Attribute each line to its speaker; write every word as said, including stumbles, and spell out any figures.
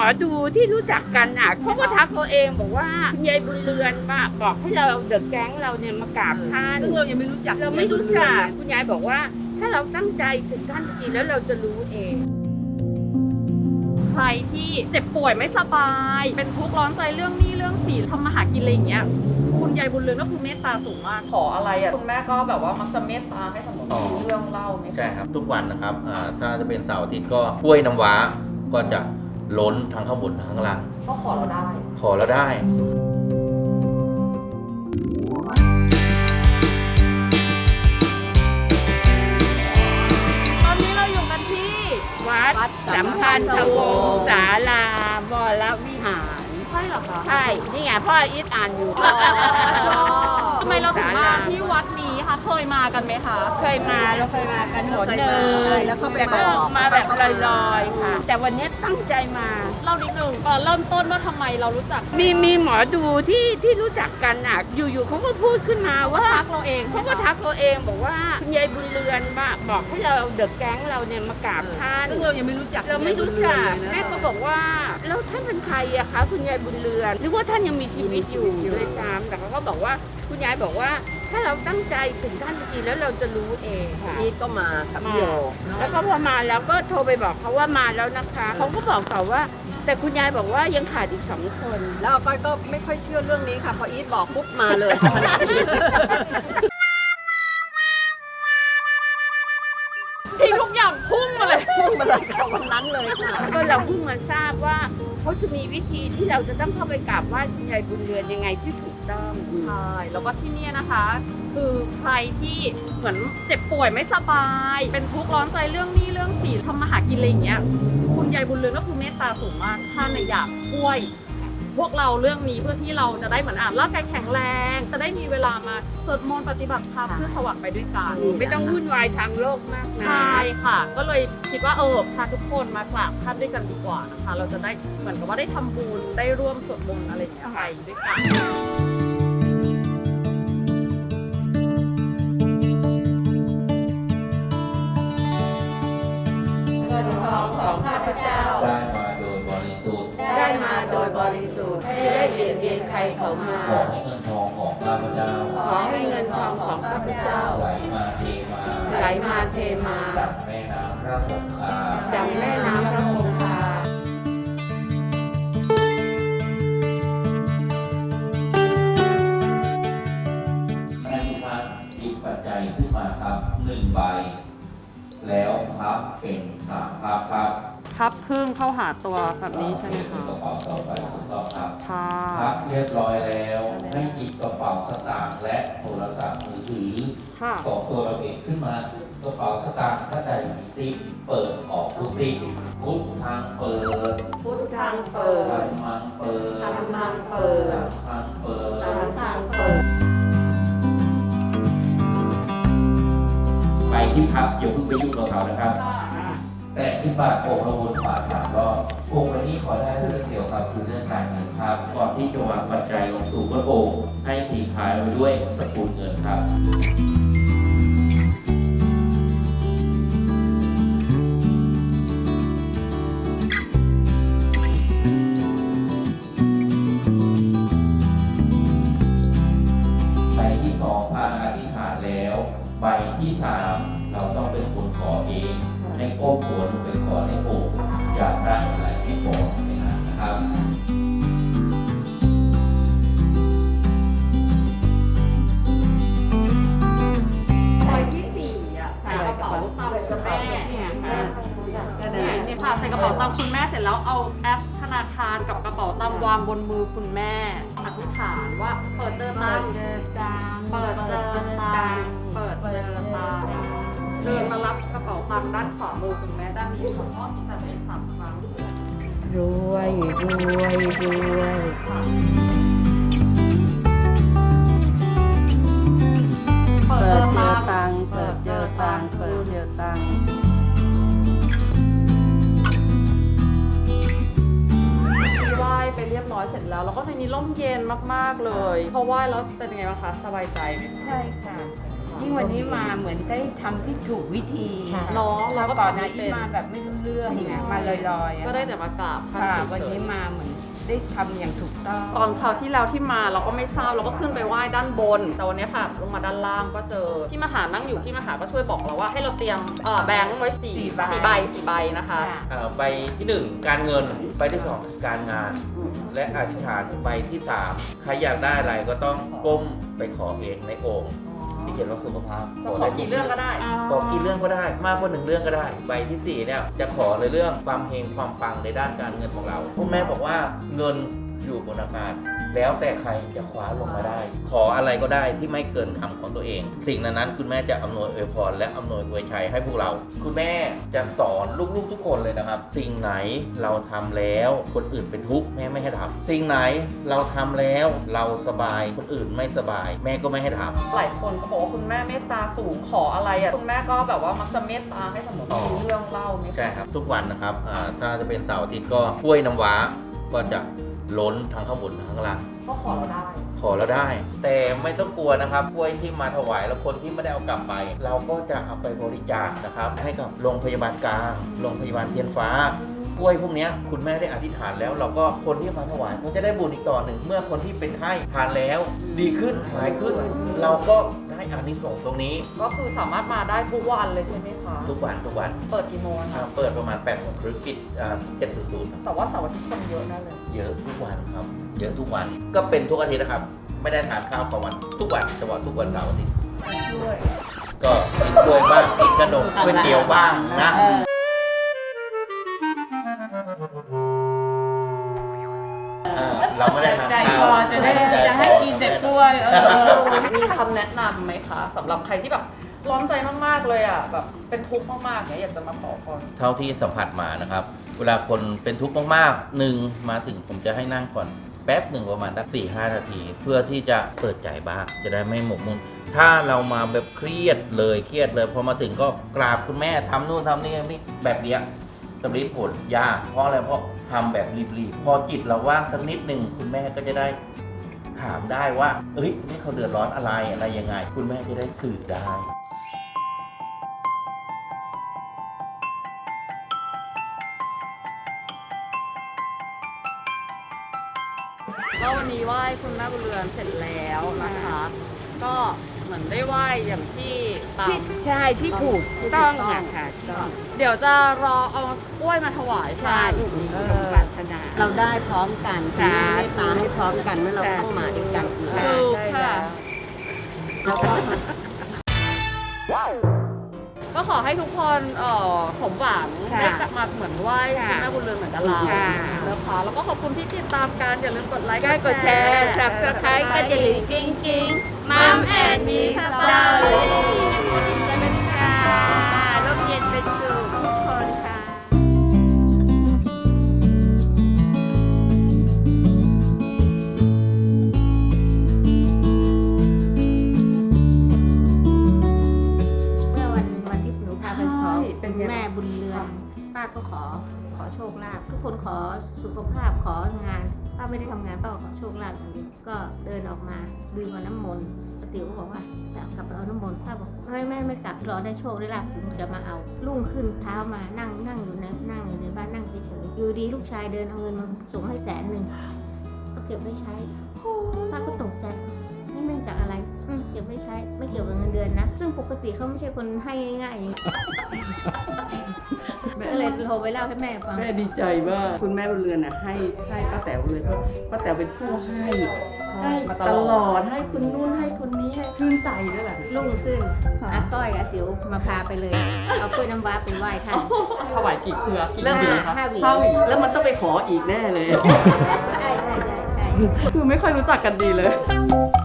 Speaker 1: อดูที่รู้จักกันอ่ะเขาก็ทักตัวเองบอกว่าคุณยายบุญเรือนมาบอกให้เราเดอะแก๊งเราเนี่ยมากราบท่าน
Speaker 2: ซึ่งเรายังไม่รู้จัก
Speaker 1: เราไม่รู้จักคุณยายบอกว่าถ้าเราตั้งใจถึงท่านจริงแล้วเราจะรู้เองใครที่เจ็บป่วยไม่สบายเป็นทุกข์ร้อนใจเรื่องหนี้เรื่องสินทำมาหากินอะไรอย่างเงี้ยคุณยายบุญเรือนก็คือเมตตาสูงมากขออะไรอ่ะคุณแม่ก็แบบว่ามักจะเมตตาให้สมมติมีเรื่องเล่าไหม
Speaker 3: ใช่ครับทุกวันนะครับอ่าถ้าจะเป็นเสาร์อาทิตย์ก็กล้วยน้ำว้าก็จะล้นทั้งข้างบนทั้งข้างล่าง
Speaker 1: ก็ขอเราได้
Speaker 3: ขอแล้วได้
Speaker 1: ตอนนี้เราอยู่กันที่วัดสัมพันธวงศ์ศาลาวรวิหารใช่หรอคะใช่นี่ไงพ่ออีทอ่านอยู่
Speaker 4: ทำไมเราถึงมาที่วัดนี้คะเคยมากันไหมคะ
Speaker 1: เคยมาเราเคยมากันหนหนึ่ง
Speaker 2: แล้วก็ไป
Speaker 1: แต่
Speaker 2: บ
Speaker 1: ก็
Speaker 2: อก
Speaker 1: มาแบบลอยๆค่ะ แต่วันนี้ตั้งใจมา
Speaker 4: เล่านิดนึงก่อนเริ่มต้นว่าทำไมเรารู้จัก
Speaker 1: มีมีหมอดูที่ที่รู้จักกันอ่ะอยู่ๆเขาก็พูดขึ้นมาว่า
Speaker 4: ทักเราเอง
Speaker 1: เขาก็ทักตัวเองบอกว่าคุณยายบุญเรือนมาบอกให้เราเดอะแก๊งเราเนี่ยมากราบท่าน
Speaker 2: ซึ่งเรายังไม่รู้จัก
Speaker 1: เราไม่รู้จักแม่ก็บอกว่าแล้วท่านเป็นใครอะคะคุณยายบุญเรือนหรือว่าท่านยังมีชีวิตอยู่ด้วยซ้ำแต่เขาก็บอกว่าคุณยายบอกว่าถ้าเราตั้งใจถึงท่านจริงๆแล้วเราจะรู้เองค่ะ
Speaker 2: อีทก็มากับ
Speaker 1: มา
Speaker 2: พี่โย
Speaker 1: แล้วก็พอมาแล้วก็โทรไปบอกเขาว่ามาแล้วนะคะเขาก็บอกต่อว่า แต่คุณยายบอกว่ายังขาดอีกสองคน
Speaker 2: แล้วก้อยก็ไม่ค่อยเชื่อเรื่องนี้ค่ะพออีทบอกปุ๊บมาเลย
Speaker 4: ที่ทุกอย่างพุ่งมาเลย
Speaker 2: พุ่งมาเลยค่ะวันนั้นเลยค่ะ
Speaker 1: ก็เราเพิ่งมาทราบว่าเขาจะมีวิธีที่เราจะต้องเข้าไปกราบไหว้คุณยายบุญเรือนยังไงที่ถูกต้อง
Speaker 4: ใช่แล้วก็ที่เนี่ยนะคะ คือใครที่เหมือนเจ็บป่วยไม่สบาย เป็นทุกข์ร้อนใจเรื่องหนี้เรื่องสินทำมาหากินอะไรอย่างเงี้ยคุณยายบุญเรือนก็คือเมตตาสูงมากท่านน่ะอยากช่วยพวกเราเรื่องนี้เพื่อที่เราจะได้เหมือนอ่านร่างกายแข็งแรง จะได้มีเวลามาสวดมนต์ปฏิบัติธรรมเพื่อสว่างไปด้วยกัน
Speaker 1: ไม่ต้องวุ่นวายทางโลกมากนะ
Speaker 4: ใช่ค่ะ ก็เลยคิดว่าเออพาทุกคนมากราบท่านด้วยกันดีกว่านะคะ เราจะได้เหมือนกับว่าได้ทำบุญได้ร่วมสวดมนต์อะไรอย่างเงี้ยไปด้วยกัน
Speaker 1: เงินทองของข้าพเจ้า
Speaker 3: ได้มาโดยบริสุทธิ์
Speaker 1: ได้มาโดยบริสุทธิ์ไม่ได้เบียดเบียนใครเขามา
Speaker 3: ขอให้เงินทองของข้าพเจ้า
Speaker 1: ขอให้เงินทองของข้าพเจ้า
Speaker 3: ไหลมาเทมา
Speaker 1: ไหลมาเทมา
Speaker 3: ดังแม่น้ำพระคงคา
Speaker 1: ดังแม่น้ำพระคงคา
Speaker 3: ให้ทุกท่านหยิบปัจจัยขึ้นมาครับหนึ่งใบ แล้วพับเป็นสามพับครับ
Speaker 4: พับครึ่งเข้าหาตัวแบบนี้ใช่ไหมคะ
Speaker 3: กระเป๋าต่อไปถูกต้องครับ
Speaker 4: ค่ะ
Speaker 3: พับเรียบร้อยแล้ว ให้หยิบกระเป๋าสตางค์และโทรศัพท์มือถือ
Speaker 4: ค่ะ
Speaker 3: ของตัวเราเองขึ้นมากระเป๋าสตางค์ถ้าใดมีซิปเปิดออกทุกซิปพุททางเปิด
Speaker 1: พุทธังเปิด
Speaker 3: ธรรมังเปิด
Speaker 1: ธัมมังเปิด
Speaker 3: สังฆังเปิด
Speaker 1: สังฆังเปิด
Speaker 3: ไปที่พักอย่าเพิ่งไปยุ่งกับเขานะครับ แต่ที่บาทองค์ละวนขวาสามรอบองค์วันนี้ขอได้เรื่องเกี่ยวกับคือเรื่องการเงินครับก่อนที่จะวางปัจจัยลงสู่พระองค์ให้ทิ้งท้ายไว้ด้วยสกุลเงินครับ ใบที่สองพาอธิษฐานแล้ว ใบที่สามเราต้องเป็นคนขอเอง ให้ก้มหัวลงไปขอในอกอยากได้อะไรให้ขอในนั้นนะครับ
Speaker 4: ใบที่สี่อ่ะใส่กระเป๋าตังค์คุณแม่เนี่ยค่ะ
Speaker 2: ก็นั่นแหละ
Speaker 4: เนี่ยค่ะใส่กระเป๋าตังค์คุณแม่เสร็จแล้วเอาแอปธนาคารกับกระเป๋าตังค์วางบนมือคุณแม่อธิษฐานว่าเปิดเจอตังค์
Speaker 1: เจอตัง
Speaker 4: เปิดเจอตังค์เปิดเจอตังค์เดินมารับกระเป๋าตังค์ด้านขวามือคุณแม่ด้านนี้ขอโทษที่จะเป็นสามครั้ง
Speaker 1: รวยรวยรวย
Speaker 4: เปิดเจอ
Speaker 2: ตั
Speaker 4: ตั
Speaker 2: ง
Speaker 4: ง
Speaker 2: ค์
Speaker 4: ค์
Speaker 2: เปิดเจอตังค์เปิดเจอตังค์
Speaker 4: ไหว้ไปเรียบร้อยเสร็จแล้ว แล้วก็ในนี้ร่มเย็นมากๆเลยพอไหว้แล้วเป็นยังไงบ้างคะสบายใจไหมคะ
Speaker 1: ใช่ค่ะ
Speaker 4: อ
Speaker 5: ยิ่งวันนี้มาเหมือนได้ทำที่ถูกวิธี
Speaker 1: เนาะเรา
Speaker 5: แล้ว
Speaker 1: ก็
Speaker 5: ก่อน
Speaker 1: ทำ
Speaker 5: นะ
Speaker 1: ไม่
Speaker 5: อี
Speaker 1: เป็น
Speaker 5: มาแบบไม่รู้เรื่องไงมาลอยๆอะ
Speaker 1: ก็ได้แต่มากราบท่าน
Speaker 5: ค่ะ
Speaker 1: เฉยๆ
Speaker 5: วันนี้มาเหมือนได้ทำอย่างถูกต้อง
Speaker 1: ตอนคราวที่แล้วที่มาเราก็ไม่ทราบเราก็ขึ้นไปไหว้ด้านบน แต่วันนี้ค่ะลงมาด้านล่างก็เจอพี่มหานั่งอยู่พี่มหาก็ช่วยบอกเราว่าให้เราเตรียมเอ่อแบงค์ไว้สี่
Speaker 5: สี่ใบ
Speaker 1: สี่ใบสี่ใบนะคะ
Speaker 5: ค่ะ
Speaker 3: เอ่อใบที่หนึ่งการเงินใบที่สองการงาน และอธิษฐานใบที่สามใครอยากได้อะไรก็ต้องก้มไปขอเองในโอ่งที่เขียนว่าสุขภาพ
Speaker 1: จะขอกี่เรื่องก็ได้
Speaker 3: ขอกี่เรื่องก็ได้ มากกว่าหนึ่งเรื่องก็ได้ ใบที่สี่เนี่ยจะขอในเรื่องความเฮงความปังในด้านการเงินของเราคุณแม่บอกว่าเงินอยู่บนอากาศแล้วแต่ใครจะคว้าลงมาได้ ขออะไรก็ได้ที่ไม่เกินคำของตัวเอง สิ่งนั้นๆคุณแม่จะอำนวยอวยพรและอำนวยอวยชัยให้พวกเรา คุณแม่จะสอนลูกๆทุกคนเลยนะครับ สิ่งไหนเราทำแล้วคนอื่นเป็นทุกข์แม่ไม่ให้ทำสิ่งไหนเราทำแล้วเราสบายคนอื่นไม่สบาย แม่ก็ไม่ให้ทำ
Speaker 1: หลายคนก็บอกว่าคุณแม่เมตตาสูงขออะไรอ่ะคุณแม่ก็แบบว่ามักจะเมตตาให้สมมติ
Speaker 3: อ๋อ
Speaker 1: มีเรื่องเล่าไหมคะ
Speaker 3: ใช่ครับทุกวันนะครับอ่าถ้าจะเป็นเสาร์อาทิตย์ก็กล้วยน้ำว้าก็จะล้นทั้งข้างบนทั้งข้างล่าง
Speaker 1: ก็ขอเราได้
Speaker 3: ขอแล้วได้ แต่ไม่ต้องกลัวนะครับกล้วยที่มาถวายแล้วคนที่ไม่ได้เอากลับไป เราก็จะเอาไปบริจาคนะครับ ให้กับโรงพยาบาลกลางโรงพยาบาลเทียนฟ้ากล้วยพวกเนี้ยคุณแม่ได้อธิษฐานแล้ว เราก็คนที่มาถวายก็จะได้บุญอีกต่อหนึ่งเมื่อคนที่เป็นไข้ทานแล้ว ดีขึ้นหายขึ้น เราก็ได้อานิสงส์ตรงนี้
Speaker 1: ก็คือสามารถมาได้ทุกวันเลยใช่ไหมคะ
Speaker 3: ทุกวันทุกวัน
Speaker 1: เปิดกี่โมง
Speaker 3: อ่า
Speaker 1: คะ
Speaker 3: เปิดประมาณแปดโมงครึ่งปิดเจ็ดศูนย์ศูนย์
Speaker 1: แต่ว่าเสาร์อาทิตย์คนเยอะแน่เลย
Speaker 3: เยอะทุกวันครับ เยอะทุกวัน ก็เป็นทุกอาทิตย์นะครับ ไม่ได้ทานข้าวกลางวัน ทุกวันเฉพาะทุกวันเสาร์อาทิตย์
Speaker 1: ด้วย
Speaker 3: ก็กินกล้วยบ้าง กินขนมก๋วยเตี๋ยวบ้างนะ เออเราไม่ได้ทาน
Speaker 5: ใจ
Speaker 3: ข้าว
Speaker 5: คอจะได้
Speaker 3: ใจ
Speaker 5: จะให้
Speaker 3: คอ
Speaker 5: กินแต่กล้วย เออ
Speaker 1: มีคำแนะนำไหมคะสำหรับใครที่แบบร้อนใจมากๆเลยอ่ะแบบเป็นทุกข์มากๆเนี่ยอยากจะมาขอพร
Speaker 3: เท่าที่สัมผัสมานะครับ เวลาคนเป็นทุกข์มากๆหนึ่งมาถึงผมจะให้นั่งก่อนแป๊บหนึ่งประมาณสักสี่ห้านาที เพื่อที่จะเปิดใจบ้างจะได้ไม่หมกมุ่นถ้าเรามาแบบเครียดเลยเครียดเลยพอมาถึงก็กราบคุณแม่ทำนู่นทำนี่นี่แบบเนี้ยสำลิดผลยากเพราะอะไรเพราะทำแบบรีบๆพอจิตเราว่างสักนิดหนึ่งคุณแม่ก็จะได้ถามได้ว่าเอ้ยนี่เขาเดือดร้อนอะไรอะไรยังไง คุณแม่จะได้สื่อได้
Speaker 1: ก็วันนี้ไหว้คุณแม่บุญเรือนเสร็จแล้วนะคะ ก็เหมือนได้ไหว้อย่างที่ตาม
Speaker 5: ใช่ที่ถูกต้องอะค่ะต้อง
Speaker 1: เดี๋ยวจะรอเอากล้วยมาถวาย
Speaker 5: ใช่
Speaker 1: ค่ะ
Speaker 5: ถูกสมปรารถนา
Speaker 2: เราได้พร้อมกันคุณ
Speaker 5: สา
Speaker 2: แม่
Speaker 5: ธุ
Speaker 2: เมตตาให้พร้อมกันเมื่อเรา
Speaker 5: ค่ะ
Speaker 2: ต้องมาด้วยกันอีก
Speaker 1: ถูกค่ะ
Speaker 2: แล้วก็
Speaker 1: ก็ขอให้ทุกคนเอ่อสมหวัง
Speaker 5: ค่ะ
Speaker 1: ได้กลับมาเหมือนไหว้
Speaker 5: ค่ะ
Speaker 1: คุณแม่บุญเรือนเหมือนกับเรา
Speaker 5: ค่ะ
Speaker 1: นะคะแล้วก็ขอบคุณที่ติดตามกันอย่าลืมกดไลค์
Speaker 5: ใกล้กดแชร์ สับสไครต์ก็จะหลิงกิ้งกิ้งมัมแอนมีสตอรี่จะเป็นค่ะร่มเย็นเป็นสุขทุกคนค่ะ
Speaker 6: เมื่อวันวันที่หนูพาไปขอ
Speaker 1: ใช่เป็นไง
Speaker 6: คุณแม่บุญเรือน ป้าก็ขอขอโชคลาภทุกคนขอสุขภาพของานป้าไม่ได้ทำงานป้าก็ขอโชคลาภอย่างเดียวก็เดินออกมาดื่มเอาน้ำมนต์ป้าติ๋วก็บอกว่าจะกลับไปเอาน้ำมนต์ป้าบอกไม่ไม่ไม่กลับรอได้โชคได้ลาภถึงจะมาเอารุ่งขึ้นเท้ามานั่งนั่งอยู่ในนั่งอยู่ในบ้านนั่งเฉยๆอยู่ดีลูกชายเดินเอาเงินมาส่งให้แสนหนึ่งก็เก็บไว้ใช้ป้าก็ตกใจ นี่เนื่องจากอะไรอืมเก็บไม่ใช้ ไม่เกี่ยวกับเงินเดือนนะ ซึ่งปกติเขาไม่ใช่คนให้ง่ายๆอย่างนี้ ก็เลยโทรไปเล่าให้แม่ฟัง
Speaker 7: แม่ดีใจมากคุณแม่บุญเรือนน่ะให้ให้ป้าแต๋วเลยเพราะป้าแต๋วเป็นผู้ให้ให้
Speaker 1: มาต
Speaker 7: ต
Speaker 1: ล
Speaker 7: ล
Speaker 1: อ
Speaker 7: อ
Speaker 1: ด
Speaker 7: ดให้คนนู้นให้คนนี้ให้
Speaker 1: ชื่นใจด้วยแหละ
Speaker 6: รุ่งขึ้น
Speaker 1: ค่ะ
Speaker 6: อาก้อยอาติ๋วมาพาไปเลย เอากล้วยน้ำว้าไปไหว้ท่าน
Speaker 1: ถวายกี่เครือกี่
Speaker 6: เริ่ม
Speaker 1: เครือคะ
Speaker 6: ห้าหวี
Speaker 1: ห้าหวี
Speaker 7: แล้วมันต้องไปขออีกแน่เลย
Speaker 6: ใช่ใช่ใช่ใช่
Speaker 1: คือไม่ค่อยรู้จักกันดีเลย